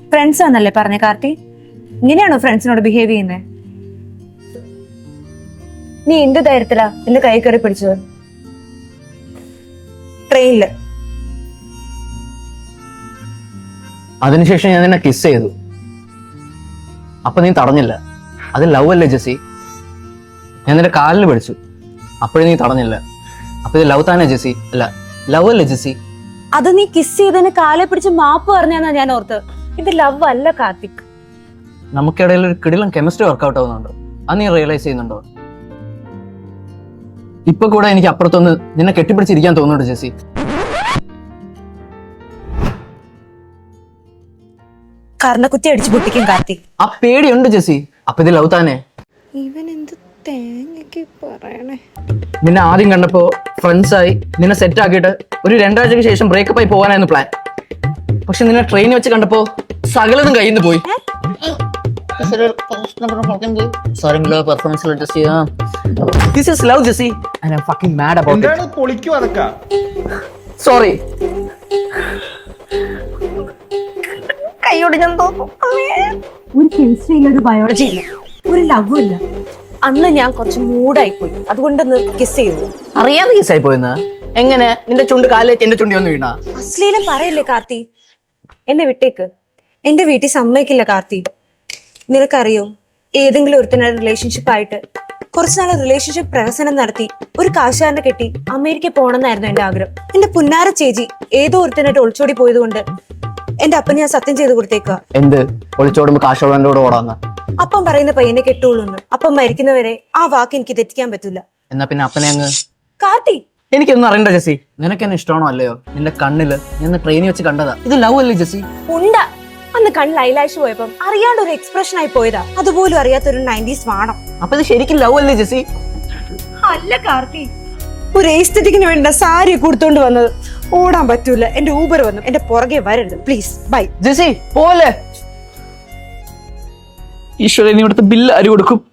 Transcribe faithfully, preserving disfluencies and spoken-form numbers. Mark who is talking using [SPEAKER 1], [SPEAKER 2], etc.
[SPEAKER 1] Friends ആണെന്നല്ലേ പറഞ്ഞ കാർത്തി? ഇങ്ങനെയാണോ ഫ്രണ്ട്സിനോട് behave ചെയ്യുന്നത്? നീ എന്ത് ധൈര്യത്തിലാ എന്റെ കൈ കയറി പിടിച്ചത്? ട്രെയിനില്.
[SPEAKER 2] അതിനുശേഷം ഞാൻ നിന്നെ കിസ് ചെയ്തു. അപ്പൊ നീ തടഞ്ഞില്ല. അത് ലവ് അല്ലേ ജെസ്സി? ഞാൻ നിന്റെ കാലിൽ പിടിച്ചു. അപ്പോഴും നീ തടഞ്ഞില്ല. അപ്പൊ ഇത് ലവ് താനേ ജെസ്സി? അല്ല, ലവ് അല്ലേ ജെസ്സി?
[SPEAKER 1] അത് നീ കിസ് ചെയ്തതിന് കാലെ പിടിച്ച് മാപ്പ് പറഞ്ഞാന്നാ ഞാൻ ഓർത്ത്. ഇത് ലവ് അല്ല കാർത്തിക്.
[SPEAKER 2] നമുക്കിടയിൽ ഒരു കിടിലം കെമിസ്ട്രി വർക്ക്ഔട്ട് ആവുന്നുണ്ടോ? അത് നീ റിയലൈസ് ചെയ്യുന്നുണ്ടോ? ഇപ്പൊ കൂടെ എനിക്ക് അപ്പുറത്തൊന്ന് നിന്നെ കെട്ടിപ്പിടിച്ചിരിക്കാൻ തോന്നുന്നുണ്ട് ജെസ്സി.
[SPEAKER 1] കർണക്കുത്തി അടിച്ചു പൊട്ടിക്കും കാർത്തിക്.
[SPEAKER 2] ആ പേടിയുണ്ട് ജെസ്സി. അപ്പൊ ഇത് ലവ് താനേ?
[SPEAKER 1] ഇവൻ എന്ത് തേങ്ങക്ക് പറയണേ.
[SPEAKER 2] നിന്നെ ആദ്യം കണ്ടപ്പോ ഫ്രണ്ട്സ് ആയി നിന്നെ സെറ്റ് ആക്കിയിട്ട് ഒരു രണ്ടാഴ്ചക്ക് ശേഷം ബ്രേക്കപ്പ് ആയി പോകാനായിരുന്നു പ്ലാൻ. പക്ഷെ നിന്നെ ട്രെയിനിൽ വെച്ച് കണ്ടപ്പോ സകലതും കയ്യിൽ നിന്ന് പോയി. This is love, Jessie, and I'm fucking mad about it. Sorry.
[SPEAKER 1] കൈയോട് ഞാൻ തോന്നും. ഒരു കെമിസ്ട്രി ഇല്ല, ഒരു ബയോളജി ഇല്ല, ഒരു ലവ് ഇല്ല. അന്ന് ഞാൻ കുറച്ച് മൂഡായി പോയി, അതുകൊണ്ട് കിസ് ചെയ്തു.
[SPEAKER 2] അറിയാതെ കിസ് ആയി പോയെന്ന്? എങ്ങനെ? നിന്റെ ചുണ്ട് കാലിലേക്ക് എന്റെ ചുണ്ടി വന്ന് വീണാ?
[SPEAKER 1] അശ്ലീലം പറയല്ലേ കാർത്തി. എന്നെ വിട്ടേക്ക്. എന്റെ വീട്ടിൽ സമ്മതിക്കില്ല കാർത്തി. നിനക്കറിയോ, ഏതെങ്കിലും ഒരുത്തനായ റിലേഷൻഷിപ്പ് ആയിട്ട് കുറച്ചുനാൾ റിലേഷൻഷിപ്പ് പ്രഹസനം നടത്തി ഒരു കാശുകാരനെ കെട്ടി അമേരിക്ക പോകണമെന്നായിരുന്നു എന്റെ ആഗ്രഹം. എന്റെ പുന്നാര ചേച്ചി ഏതോ ഒരുത്തനായിട്ട് ഒളിച്ചോടി പോയത് കൊണ്ട് എന്റെ അപ്പൻ ഞാൻ സത്യം ചെയ്ത് കൊടുത്തേക്കുക.
[SPEAKER 2] എന്ത്? ഒളിച്ചോടുമ്പോ കാശോടന്റെ കൂടെ ഓടാന്ന്?
[SPEAKER 1] അപ്പം പറയുന്ന പയ്യനെ കെട്ടുള്ളൂന്ന്. അപ്പം മരിക്കുന്നവരെ ആ വാക്ക് എനിക്ക് തെറ്റിക്കാൻ പറ്റില്ല.
[SPEAKER 2] എന്നാ പിന്നെ അപ്പനെ അങ്ങ്
[SPEAKER 1] കാർത്തി.
[SPEAKER 2] എനിക്കൊന്നും അറിയണ്ട ജെസ്സി. നിനക്ക് എന്നെ ഇഷ്ടമാണോ അല്ലയോ? നിന്റെ കണ്ണില് ഞാൻ ട്രെയിനിൽ വെച്ച് കണ്ടതാ. ഇത് ലവ് അല്ലേ ജെസ്സി?
[SPEAKER 1] ഉണ്ടാ. അന്ന് കണ്ണിൽ ഐലാഷ് പോയപ്പം അറിയാണ്ട് ഒരു എക്സ്പ്രഷൻ ആയി പോയതാ. അതുപോലും അറിയാത്തൊരു നയൻറ്റീസ് വാണം.
[SPEAKER 2] അപ്പൊ ഇത് ശരിക്കും ലവ് അല്ലേ ജെസ്സി?
[SPEAKER 1] അല്ല കാർത്തി, ഒരു എസ്തെറ്റിക്കിന് വേണ്ട സാരി കൊടുത്തോണ്ട് വന്നത്. ഓടാൻ പറ്റൂല, എന്റെ ഊബർ വന്നു. എന്റെ പുറകെ വരരുത് പ്ലീസ്. By
[SPEAKER 2] Jessy. പോലെ ഈശ്വരൻ, ഇവിടുത്തെ ബില്ല് ആര് കൊടുക്കും?